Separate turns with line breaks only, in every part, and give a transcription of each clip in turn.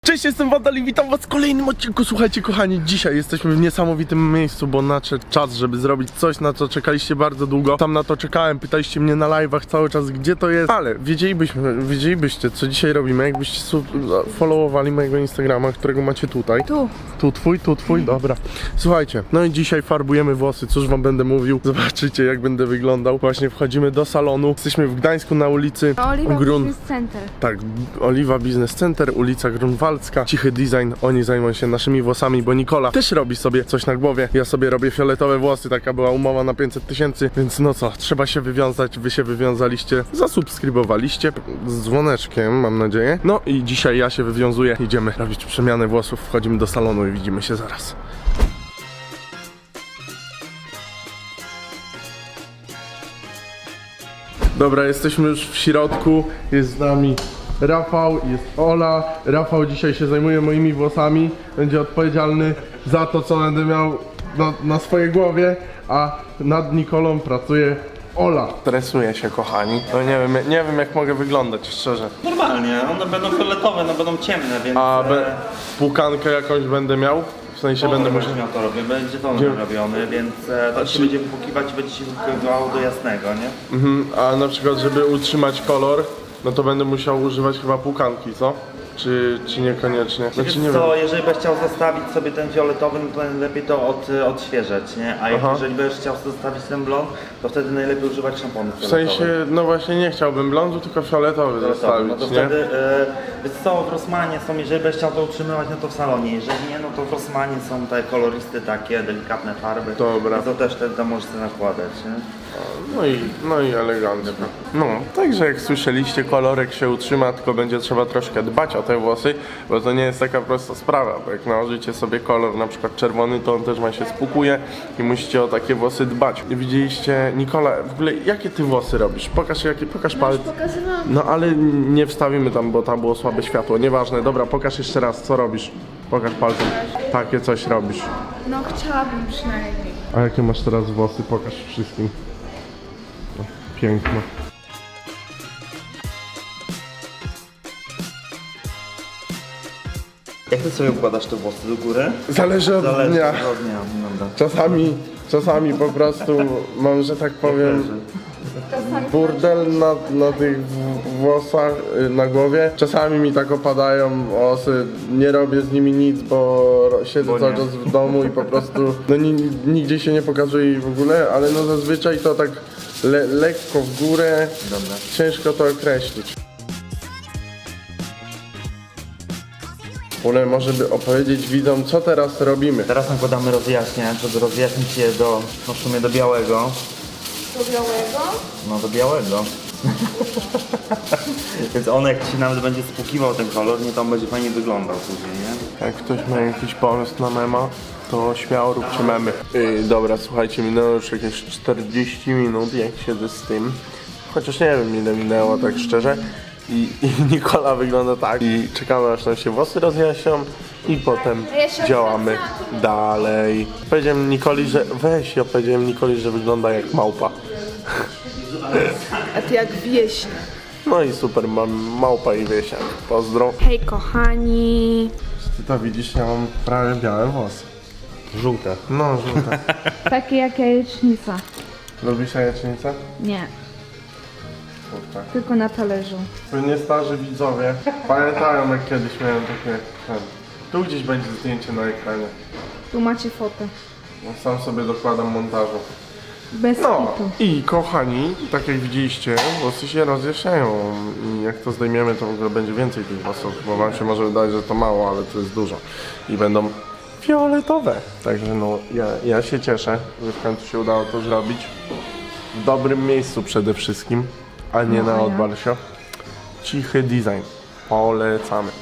Cześć, jestem Wandal i witam was w kolejnym odcinku. Słuchajcie kochani, dzisiaj jesteśmy w niesamowitym miejscu, bo nadszedł czas, żeby zrobić coś, na co czekaliście bardzo długo. Tam na to czekałem, pytaliście mnie na live'ach cały czas, gdzie to jest, ale wiedzielibyście co dzisiaj robimy, jakbyście followowali mojego Instagrama, którego macie tutaj. Tu twój, dobra. Słuchajcie, no i dzisiaj farbujemy włosy, cóż wam będę mówił, zobaczycie jak będę wyglądał. Właśnie wchodzimy do salonu, jesteśmy w Gdańsku na ulicy
Oliwa Business Center.
Tak, Oliwa Business Center, ulica Grunwaldzka. Cichy design, oni zajmują się naszymi włosami, bo Nikola też robi sobie coś na głowie. Ja sobie robię fioletowe włosy, taka była umowa na 500 000, więc no co, trzeba się wywiązać, wy się wywiązaliście, zasubskrybowaliście z dzwoneczkiem, mam nadzieję. No i dzisiaj ja się wywiązuję, idziemy robić przemianę włosów, wchodzimy do salonu i widzimy się zaraz. Dobra, jesteśmy już w środku, jest z nami Rafał, jest Ola. Rafał dzisiaj się zajmuje moimi włosami, będzie odpowiedzialny za to, co będę miał na swojej głowie, a nad Nikolą pracuje Ola. Stresuję się, kochani. No nie wiem jak mogę wyglądać, szczerze.
Normalnie, one będą fioletowe, no będą ciemne, więc...
A płukankę jakąś będę miał? W sensie będę musiał...
miał to robię, będzie to robiony, więc tak się będzie wypłukiwać i będzie się wypływało do jasnego, nie?
A na przykład, żeby utrzymać kolor, no to będę musiał używać chyba płukanki, co? Czy niekoniecznie?
Znaczy, nie wiem. Jeżeli byś chciał zostawić sobie ten fioletowy, no to najlepiej to odświeżać, nie? A jeżeli będziesz chciał zostawić ten blond, to wtedy najlepiej używać szamponu fioletowego.
W sensie, no właśnie nie chciałbym blondu, tylko fioletowy zostawić,
no to
nie?
wtedy, wiesz co, w Rossmanie są, jeżeli będziesz chciał to utrzymywać, no to w salonie, jeżeli nie, no to w Rossmanie są te koloristy takie, delikatne farby.
Dobra.
No to też wtedy tam możesz sobie nakładać, nie?
No i elegancko. No, także jak słyszeliście, kolorek się utrzyma, tylko będzie trzeba troszkę dbać o te włosy, bo to nie jest taka prosta sprawa, bo jak nałożycie sobie kolor, na przykład czerwony, to on też wam się spłukuje i musicie o takie włosy dbać. Widzieliście, Nikola, w ogóle jakie ty włosy robisz? Pokaż palec. No ale nie wstawimy tam, bo tam było słabe światło, nieważne. Dobra, pokaż jeszcze raz, co robisz. Pokaż palcem. Takie coś robisz.
No chciałabym przynajmniej.
A jakie masz teraz włosy? Pokaż wszystkim. Piękno.
Jak ty sobie układasz te włosy do góry?
Zależy od dnia.
Dobra.
Czasami po prostu mam, że tak powiem, burdel na tych włosach, na głowie. Czasami mi tak opadają włosy, nie robię z nimi nic, bo siedzę cały czas w domu i po prostu no nigdzie się nie pokazuje w ogóle, ale no zazwyczaj to tak lekko w górę.
Dobra.
Ciężko to określić. Ole, może by opowiedzieć widzom, co teraz robimy.
Teraz nakładamy rozjaśniacz, żeby rozjaśnić je w sumie do białego.
Do białego?
No do białego. Więc on jak ci nawet będzie spłukiwał ten kolor, nie, to on będzie fajnie wyglądał później, nie?
Jak ktoś ma jakiś pomysł na mema, to śmiało róbcie memy. Dobra, słuchajcie, minęło już jakieś 40 minut, jak siedzę z tym. Chociaż nie wiem ile minęło, tak szczerze. I Nikola wygląda tak. I czekamy aż nam się włosy rozjaśnią. I potem działamy dalej. Powiedziałem Nikoli, że wygląda jak małpa.
A ty jak wieśnia.
No i super, mam małpa i wiesiak. Pozdro.
Hej kochani.
Ty to widzisz, ja mam prawie białe włosy.
Żółte.
No, żółte.
Takie jak jajecznica.
Lubisz jajecznicę?
Nie,
Kurczę.
tylko na talerzu.
Pewnie starzy widzowie pamiętają, jak kiedyś miałem takie... Tu gdzieś będzie zdjęcie na ekranie.
Tu macie fotę.
Sam sobie dokładam montażu.
Bez
No
kitu.
i kochani, tak jak widzieliście, włosy się rozjaśniają i jak to zdejmiemy, to w ogóle będzie więcej tych włosów, bo wam się może wydawać, że to mało, ale to jest dużo. I będą fioletowe. Także no, ja się cieszę, że w końcu się udało to zrobić. W dobrym miejscu przede wszystkim, a nie na odbalsio. Cichy design. Polecamy.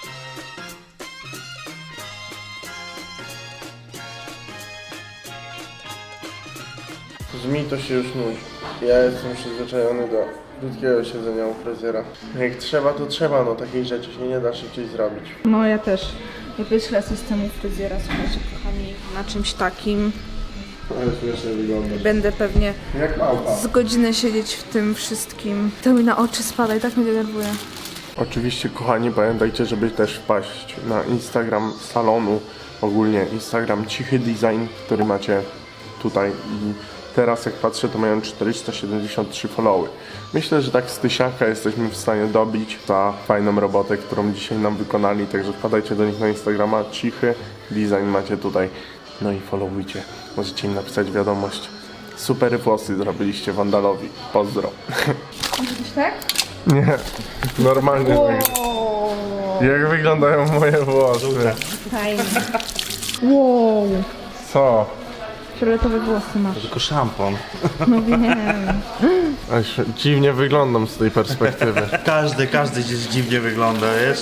Mi to się już nudzi. Ja jestem przyzwyczajony do krótkiego siedzenia u fryzjera. Jak trzeba, to trzeba, no takich rzeczy się nie da szybciej zrobić.
No ja też. Ja wyślę systemu fryzjera, słuchajcie kochani, na czymś takim.
Ale śmiesznie wygląda.
Będę pewnie
Jak małpa.
z godzinę siedzieć w tym wszystkim. To mi na oczy spada i tak mnie denerwuje.
Oczywiście, kochani, pamiętajcie, żeby też wpaść na Instagram salonu, ogólnie Instagram Cichy Design, który macie tutaj i teraz jak patrzę, to mają 473 followy. Myślę, że tak z 1000 jesteśmy w stanie dobić za fajną robotę, którą dzisiaj nam wykonali, także wpadajcie do nich na Instagrama Cichy Design macie tutaj, no i followujcie, możecie im napisać wiadomość. Super włosy zrobiliście Wandalowi, pozdro.
Widzisz tak?
Nie, normalnie. Jak wyglądają moje włosy?
Fajnie. Wow.
Co?
Fioletowe włosy masz.
Tylko szampon.
No wiem.
Aż dziwnie wyglądam z tej perspektywy.
Każdy gdzieś dziwnie wygląda, wiesz?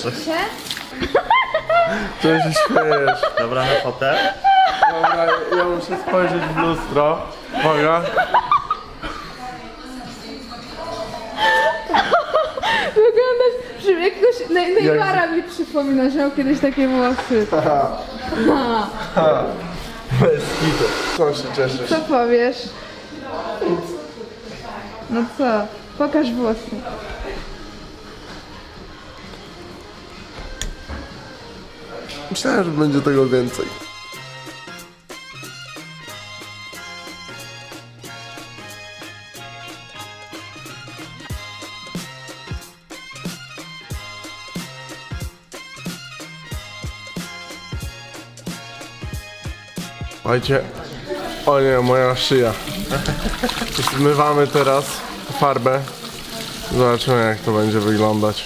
Co się śmiejesz?
Dobra, na fotel.
Dobra, ja muszę spojrzeć w lustro. Uwaga.
Wyglądasz, że jakiegoś Neymara mi przypomina, że miał kiedyś takie włosy.
Bez kitu. Co się cieszysz?
Co powiesz? No co? Pokaż włosy.
Myślałem, że będzie tego więcej. Słuchajcie, o nie, moja szyja. Zmywamy teraz farbę. Zobaczymy, jak to będzie wyglądać.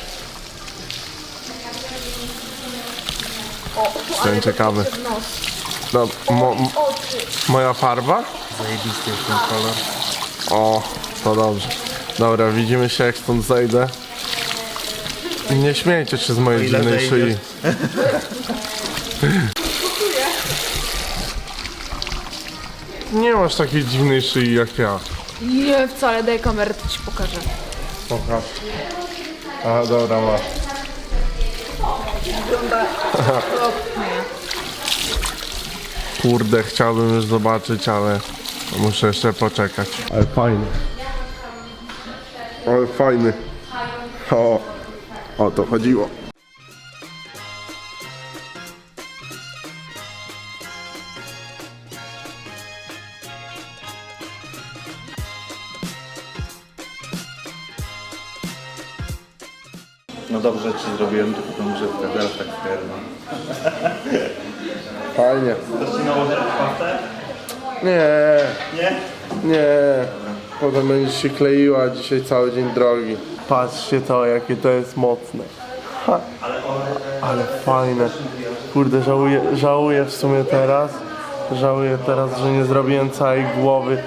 Jestem ciekawy. No, moja farba?
Zajebisty jest ten kolor.
O, to dobrze. Dobra, widzimy się, jak stąd zejdę. Nie śmiejcie się z mojej
ile
dziwnej
zejdziesz?
szyi. Nie masz takiej dziwnej szyi jak ja.
Nie, wcale, daj kamerę, to ci pokażę.
Pokaż. A, dobra, masz.
Wygląda okropnie.
Kurde, chciałbym już zobaczyć, ale muszę jeszcze poczekać. Ale fajny. Ale fajny. O to chodziło.
No dobrze ci zrobiłem, tylko tą grzywkę, teraz tak pierdolę.
Fajnie.
Chcesz ci nałożyć pastę?
Nie,
Nie?
nie. Potem będzie się kleiła, dzisiaj cały dzień drogi. Patrzcie to, jakie to jest mocne. Ha. Ale fajne. Kurde, żałuję w sumie teraz. Żałuję teraz, że nie zrobiłem całej głowy.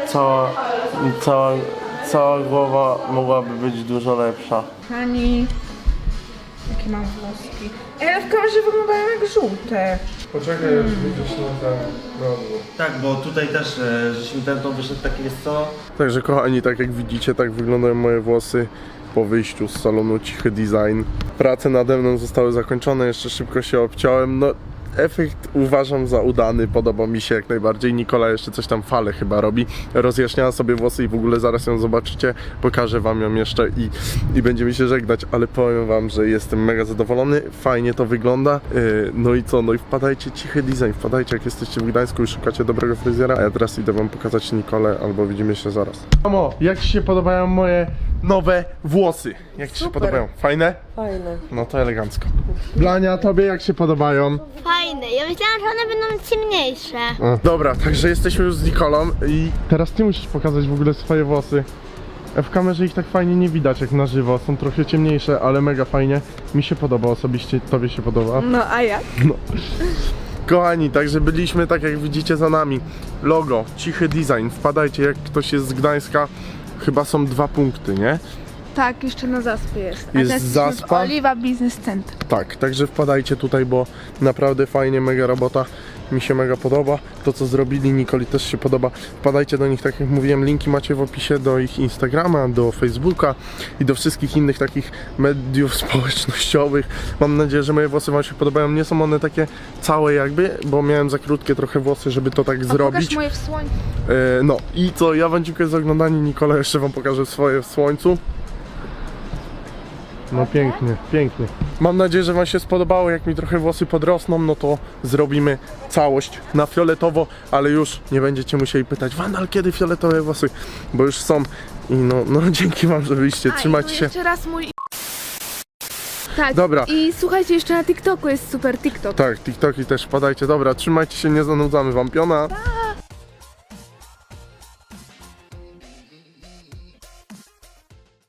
Cała głowa mogłaby być dużo lepsza.
Hani, jakie mam włoski. Ale w kamerze wyglądają jak żółte.
Poczekaj, aż widzisz na ten rozwój.
Tak, bo tutaj też żeśmy ten wyszedł taki, jest co?
Także kochani, tak jak widzicie, tak wyglądają moje włosy po wyjściu z salonu Cichy Design. Prace nade mną zostały zakończone, jeszcze szybko się obciąłem. No, efekt uważam za udany, podoba mi się jak najbardziej. Nikola jeszcze coś tam fale chyba robi. Rozjaśniała sobie włosy i w ogóle zaraz ją zobaczycie. Pokażę wam ją jeszcze i będziemy się żegnać, ale powiem wam, że jestem mega zadowolony. Fajnie to wygląda. No i co? No i wpadajcie Cichy Design, wpadajcie jak jesteście w Gdańsku i szukacie dobrego fryzjera. A ja teraz idę wam pokazać Nikolę, albo widzimy się zaraz. Mamo, jak ci się podobają moje nowe włosy? Jak ci się podobają? Fajne?
Fajne.
No to elegancko. Blania, tobie jak się podobają?
Fajne. Ja myślałam, że one będą ciemniejsze.
Dobra, także jesteśmy już z Nikolą i teraz ty musisz pokazać w ogóle swoje włosy. W kamerze ich tak fajnie nie widać jak na żywo, są trochę ciemniejsze, ale mega fajnie. Mi się podoba osobiście, tobie się podoba.
No a jak?
Kochani, także byliśmy tak jak widzicie za nami. Logo, Cichy Design, wpadajcie jak ktoś jest z Gdańska. Chyba są 2 punkty, nie?
Tak, jeszcze na zaspie jest.
Jest
teraz
zaspa?
Oliwa Business Center.
Tak, także wpadajcie tutaj, bo naprawdę fajnie, mega robota. Mi się mega podoba. To co zrobili, Nikoli też się podoba. Wpadajcie do nich, tak jak mówiłem, linki macie w opisie do ich Instagrama, do Facebooka i do wszystkich innych takich mediów społecznościowych. Mam nadzieję, że moje włosy wam się podobają. Nie są one takie całe jakby, bo miałem za krótkie trochę włosy, żeby to tak zrobić.
Pokaż moje w słońcu.
No i co, ja wam dziękuję za oglądanie. Nikola jeszcze wam pokaże swoje w słońcu. No pięknie, pięknie. Mam nadzieję, że wam się spodobało. Jak mi trochę włosy podrosną, no to zrobimy całość na fioletowo, ale już nie będziecie musieli pytać: Wandal, kiedy fioletowe włosy? Bo już są i no dzięki wam, że byliście, trzymajcie się.
Jeszcze raz mój... Tak,
Dobra.
i słuchajcie, jeszcze na TikToku jest super TikTok.
Tak, TikToki też wpadajcie. Dobra, trzymajcie się, nie zanudzamy wam piona.